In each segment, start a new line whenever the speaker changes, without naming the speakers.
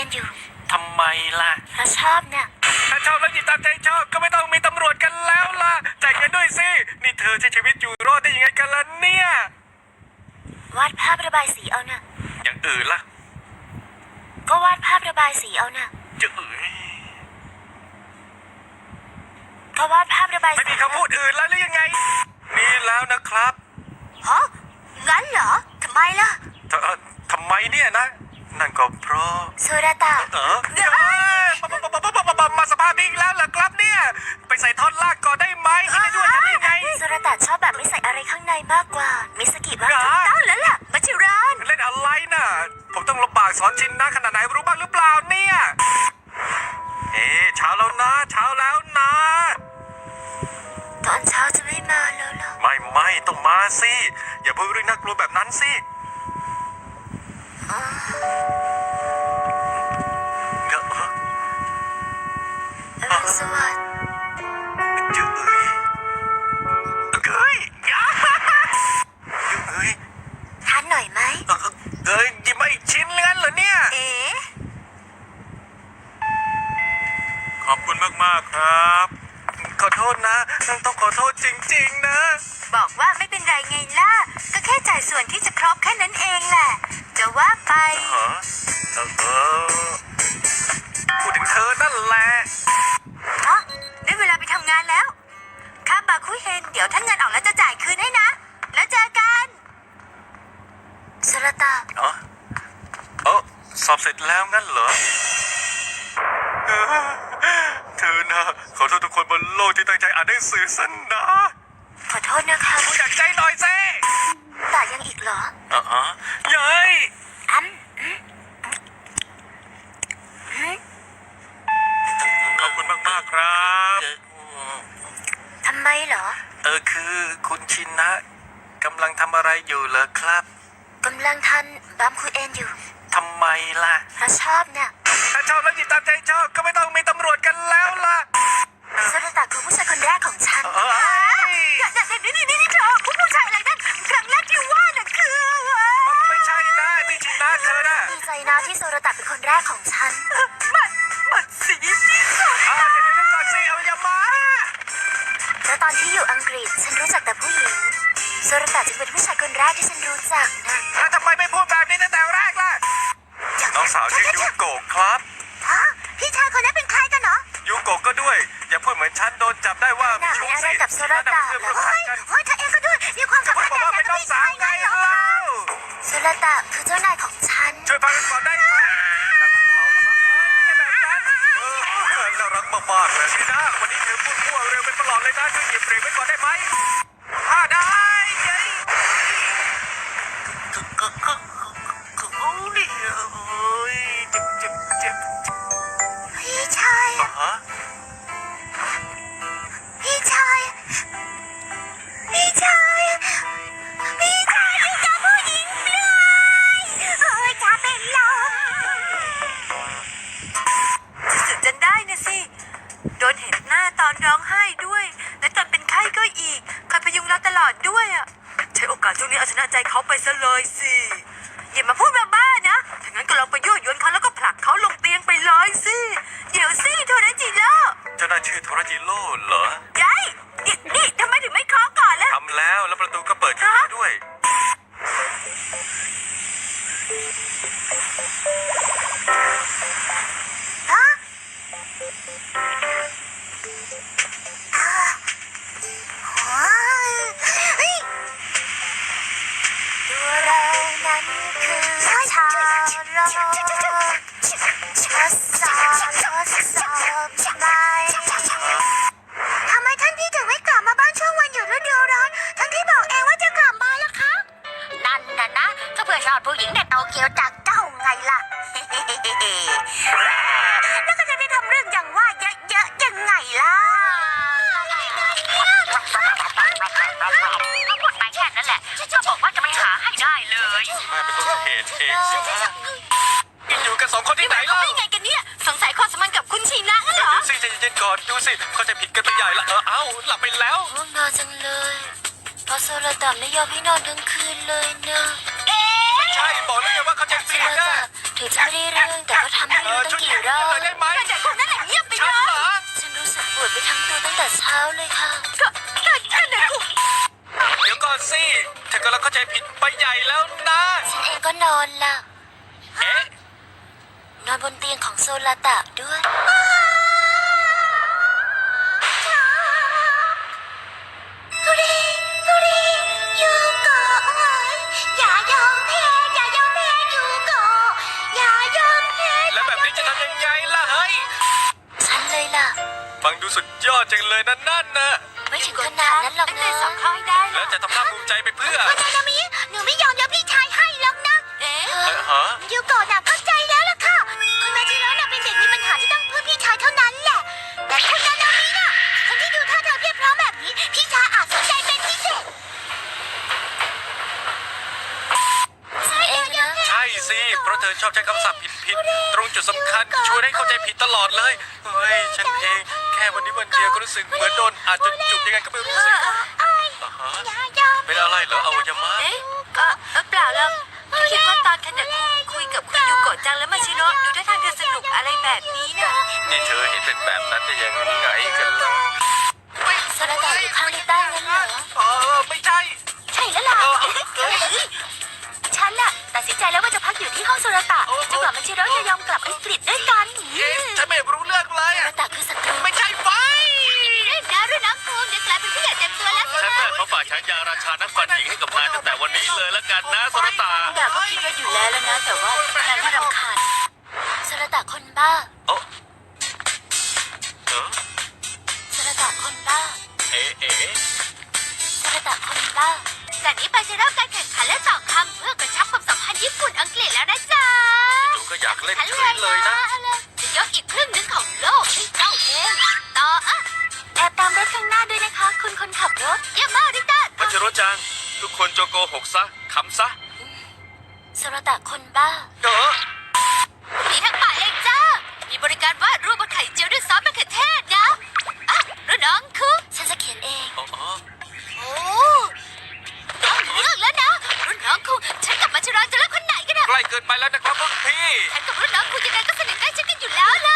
อยู่
ทำไมล่ะ
เพราะชอบน่ะ
ถ้าชอบแล้วหยิบตามใจชอบก็ไม่ต้องมีตำรวจกันแล้วล่ะจ่ายเงินด้วยสินี่เธอใช้ชีวิตอยู่รอดได้ยังไงกันล่ะเนี่ยว
าดภาพระบายสีเอาน่ะ
อย่างอื่นล่ะ
ก็วาดภาพระบายสีเอาน่ะ
จะ
ก็วาดภาพระบายสี
ไม่มีคำพูดอื่นแล้วหรือยังไงนี่แล้วนะครับ
ฮะงั้นเหรอทำไมล่ะ
ทำไมเนี่ยนะนั่นก็เพราะ
โซราตะ
มาสภาพนี้อีกแล้วเหรอครับเนี่ยไปใส่ท่อนลากก่อนได้ไหมไม่ได้ด้วยกันได้ไง
โซราตะชอบแบบไม่ใส่อะไรข้างในมากกว่ามิสกิว่าถูกต้องแล้วล่ะมัชิราน
เล่นอะไรน่ะผมต้องลำบากสอนชินนะขนาดไหนรู้บ้างหรือเปล่าเนี่ยเช้าแล้วนะเช้าแล้วนะ
ตอนเช้าจะไม่มาแล้วหรอ
ไม่ต้องมาสิอย่าพูดเรื่องน่ากลัวแบบนั้นสิ
อรุณสวัสดิ์ทานหน่อยไหม
หยิบมาอีกชิ้นเลื่อนเหรอเนี่ยขอบคุณมากๆครับขอโทษนะต้องขอโทษจริงๆนะ
บอกว่าไม่เป็นไรไงล่ะก็แค่จ่ายส่วนที่จะครบแค่นั้นเองแหละจะว่าไป
พูดถึงเธอนั่นแหละ
ได้เวลาไปทำงานแล้วค่าบาคุเฮนเดี๋ยวถ้าเงินออกแล้วจะจ่ายคืนให้นะแล้วเจอกันสรตา
สอบเสร็จแล้วงั้นเหรอเธอนะขอโทษทุกคนบนโลกที่ตั้งใจอ่านหนังสือสั้นนะ
ขอโทษนะคะ
พูดจากใจหน่อยสิ
แต่ยังอีกเหรอ
เย้ยขอบคุณมากๆครับ
ทำไมเหรอ
คือคุณชินนะกำลังทำอะไรอยู่เหรอครับ
กำลังทานบามคุเอนอยู่
ทำไมล่ะ
เพราะชอบน่ะ
ถ้าชอบแล้วหยิบตามใจชอบก็ไม่ต้องมีตำรวจกันแล้วล่ะ
สรตะคือผู้ชายคนแรกของฉันนี่เธอผู้ชายอะไรนั่นครั้งแรกที่ว่าน่ะคือ
ไม่ใช่นะนี่ชินนะเธอน่ะ
ดีใจนะที่โซรตะเป็นคนแรกของฉัน
บัดสีที่สุดเดี๋ยวก่อนสิเอาอย่ามา
แล้วตอนที่อยู่อังกฤษฉันรู้จักแต่ผู้หญิงโซรตะจึงเป็นผู้ชายคนแรกที่ฉันรู้จักนะ
แล้วทำไมไม่พูดแบบนี้ตั้งแต่แรกล่ะน้องสาวชื่อยูโกะครับ
พี่ชายคนนั้นเป็นใครกันเนาะ
ยูโกะก็ด้วยอย่าพูดเหมือนฉันโดนจับได้ว่า
มีชู้อะไรกับโซรตะเฮ้ยเธอเองก็ด้วยมีความสัมพันธ์
กันกับพี่ชายไงเล่า
โซรตะคือเจ้านายของฉัน
ช่วยพักกันก่อนได้ไหมน่ารักมากๆเลยสินะวันนี้เธอพูดมั่วเร็วเป็นตลอดเลยนะช่วยหยิบเบรกไว้ก่อนได้ไหมได้
พี่ชายอยู่กับผู้หญิงเลยจะเป็นลมสุดจนได้นะสิโดนเห็นหน้าตอนร้องไห้ด้วยและตอนเป็นไข้ก็อีกคอยพยุงเราตลอดด้วยอ่ะใช้โอกาสช่วงนี้เอาชนะใจเขาไปซะเลยสิอย่ามาพูดบ้าๆนะถ้างั้นก็ลองไปยั่วยวนเขาแล้วก็ผลักเขาลงเตียงไปเลยสิเดี๋ยวสิโทรจิโร่
เจ้าหน้าชื่อโทรจิโร่เหรอ
ได้นี่ทำไมถึงไม่เคาะก่อนล่ะ
ทำแล้วประตูก็เปิดอยู่ด้วย
ตัวเรานั้นคือชาวโลกทำไมท่านพี่ถึงไม่กลับมาบ้านช่วงวันหยุดฤดูร้อนทั้งที่บอกเองว่าจะกลับมาล่ะคะนั่นน่ะนะก็เพื่อชอบผู้หญิงในโตเกียวจากเจ้าไงล่ะแล้วก็จะได้ทำเรื่องอย่างว่าเยอะๆยังไงล่ะพูดไปแค่นั้นแหละก็บอกว่าจะไม่หาให้ได้เลย
แม่เป็นต้นเหตุเองสินะอยู่กันสองคนที่ไหนเล่า
ไงกันเนี่ยสงสัยความสัมพันธ์กับคุณชินะงั้นเหรอ
ดูสิใจเย็นๆก่อนดูสิเขาจะผิดกันไปใหญ่ละเอ้าหลับไปแล้ว
ง่วงนอนจังเลยเพราะโซราตะไม่ยอมให้นอนทั้งคืนเลยนะ
ไม่ใช่บอกแล้วไงว่าเขาจะเปลี่ยนกัน
ถือจะไม่ได้เรื่องแต่ก็
ทำให้รู้ตั้งกี่รอบ
ช่วยได้ไหม
แต่คนนั้นแหละเงียบไป
ฉัน
เลย
เหรอ
ฉันรู้สึกปวดไปทั้งตัวตั้งแต่เช้าเลยค่ะ
ก็แค่ไหนกู
เดี๋ยวก่อนสิเธอกำลังเข้าใจผิดไปใหญ่แล้วนะ
ฉันเองก็นอนล่ะ
เอ๊ะ
นอนบนเตียงของโซลาตะด้วย ฮูริฮูริยูโกะอย่ายอมแพ้อย่ายอมแพ้ยูโกะอย่ายอมแพ้
แล้วแบบนี้จะทำยังไงล่ะเฮ้ย
ฉันเลยล่ะ
ฟังดูสุดยอดจังเลยนั่นนะ
ไม่ถึงขนาดนั้นหรอก
ตั้ง
นะ
ใจสอบเข้าให้ได้นะ
แล้วจะทำหน้าภูมิใจไปเพื่อ
คุณนานามิหนูไม่ยอมยกพี่ชายให้หรอกนะ
เอ๊ะ
ฮะ
ยูโกะน่ะเข้าใจแล้วล่ะค่ะ คุณมาจิโร่น่ะเป็นเด็กมีปัญหาที่ต้องพึ่งพี่ชายเท่านั้นแหละ แต่คุณนานามิน่ะคนที่ดูท่าทางเรียบร้อยแบบนี้ พี่ชายอาจสนใจเป็นพิเศษฉันเองนะ
ใช่สิ เพราะเธอชอบใช้คำศัพท์ผิดๆ ตรงจุดสำคัญชวนให้เข้าใจผิดตลอดเลย เฮ้ย ฉันเองแค่วันนี้วันเดียวก็รู้สึกเหมือนโดนอาจจนจุกยังไงก็ไม่รู้สิอ่าฮะ
อย่ายอม
เป็นอะไรเหรออวัยวะ
เอ๊ะเปล่าแล้วคิดว่าตอนขณะคุยกับคุณยูโกะจังแล้วมาชิโร่ดูท่าทางจะสนุกอะไรแบบนี้น่ะ
นี่เธอเห็นเป็นแบบนั้นได้ยังไงกันล่ะ
โซลาตะอยู่ข้างลิต้างั้นเหรอ
ไม่ใช่
ใช่แล้วล่ะ
เออ
ฉันน่ะตัดสินใจแล้วว่าจะพักอยู่ที่ห้องโซลาตะจนกว่ามันชิโร่จะยอมกลับอังกฤษด้วยกัน
เอ๊ะฉันไม่รู้เรื่องเลย
โซ
อะ
ลาตะคือศัตรู
ไม่ใช่ไฟ
รุ่นน้องภูมิเดี๋ยวกลายเป็นผู้ใหญ่เต็มตัวแล้ว
ฉันน่ะเขาฝากฉายาราชานักฟันหญิงให้กับนายตั้งแต่วันนี้เลยละกันนะโซลตา
ดาบก็คิดว่าอยู่แล้วนะ แต่ว่านายไม่รำคาญโซลาตะคนบ้า
เออเออ
โซลาตะคนบ้า
เอ๊ะเอ๊ะ
โซลาตะคนบ้าจากนี้ไปจะเริ่มการแข่งขันและตอบคำเพื่อกระชับความสัมพันธ์ญี่ปุ่นอังกฤษแล้วนะจ๊ะ
ดูก็อยากเล่นเฉยเลยนะ
จะยกอีกครึ่งหนึ่งของโลกให้เจ้าเองต่อแอบตามรถข้างหน้าด้วยนะคะ คุณคนขับรถเยี่ยมมากริต้า
มัชโรจัง ทุกคนจงโกหกซะขำซะ
โซลาตะคนบ้า
เออ
มีทั้งป่าเองจ้า มีบริการวาดรูปบนไข่เจียวด้วยซอสมะเขือเทศนะอ่ะรุ่นน้องคือ
ฉันจะเขียนเอง
อ๋อ
โอ้ต้องเลือกแล้วนะ รุ่นน้องคุณฉันกับมัชราจะเลือกคนไหนกันอะ
ใกล้เกินไปแล้วนะครับรุ่นพี่
ฉันกับรุ่นน้องคุณยังไงก็สนิทใกล้ชิดกันอยู่แล้วล่ะ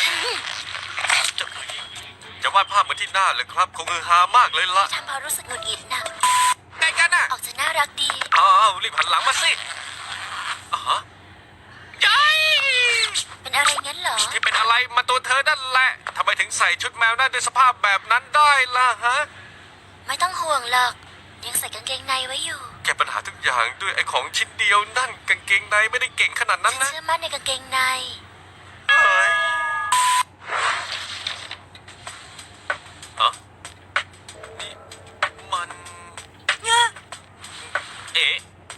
จะวาดภาพเหมือนที่หน้าเลยครับ คงฮือฮามากเลยล่ะ
ทำเพราะรู้สึกหงุดหงิดนะ
ไงกันน่ะ
ออกจะน่ารักดี
อ้าวรีบหันหลังมาสิอ๋อฮะยัย
เป็นอะไรงั้นเหรอ
ที่เป็นอะไรมาตัวเธอนั่นแหละทำไมถึงใส่ชุดแมวนั่นด้วยสภาพแบบนั้นได้ล่ะฮะ
ไม่ต้องห่วงหรอก ยังใส่กางเกงในไว้อยู่
แก้ปัญหาทุกอย่างด้วยไอ้ของชิ้นเดียวนั่นกางเกงในไม่ได้เก่งขนาดนั้น
ฉัน
นะ
เชื่อมั่นในกางเกงใน
เฮ้ยฮะนี่มัน เอ๊ะ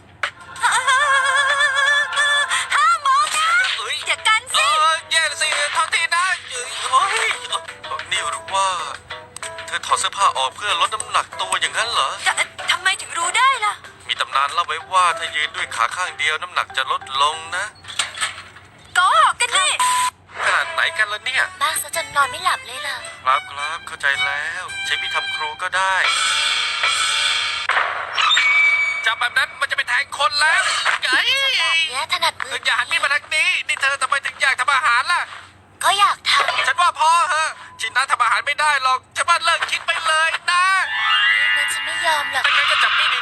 ห้ามมองนะ
เอ้ย
อย่ากันสิ
แย่ละสิโทษทีนะเฮ้ยนี่หรือว่า เธอถอดเสื้อผ้าออกเพื่อลดน้ำหนักตัวอย่างนั้นเหรอ
ทำไมถึงรู้ได้ล่ะ
มีตำนานเล่าไว้ว่าถ้ายืนด้วยขาข้างเดียวน้ำหนักจะลดลงนะ
โกหกกันนี่
ขนาดไหนกันล่ะเนี่ย
บ้าซะจนนอนไม่หลับเลยล่ะ
ครับเข้าใจแล้ว ใช้พี่ทำครูก็ได้จับแบบนั้นมันจะไปแทงคนแล้วไง
แบบเนี้ยถนัดมือ
อย่าหันมีดมาทางนี้ นี่เธอทำไมถึงอยากทำอาหารล่ะ
ก็อยากท
ฉันว่าพอเหอะชินนะทำอาหารไม่ได้หรอกฉันว่าเลิกคิดไปเลยนะ
ำงั้นฉันไม่ยอมหรอก
ไม่งั้นก็จับมีด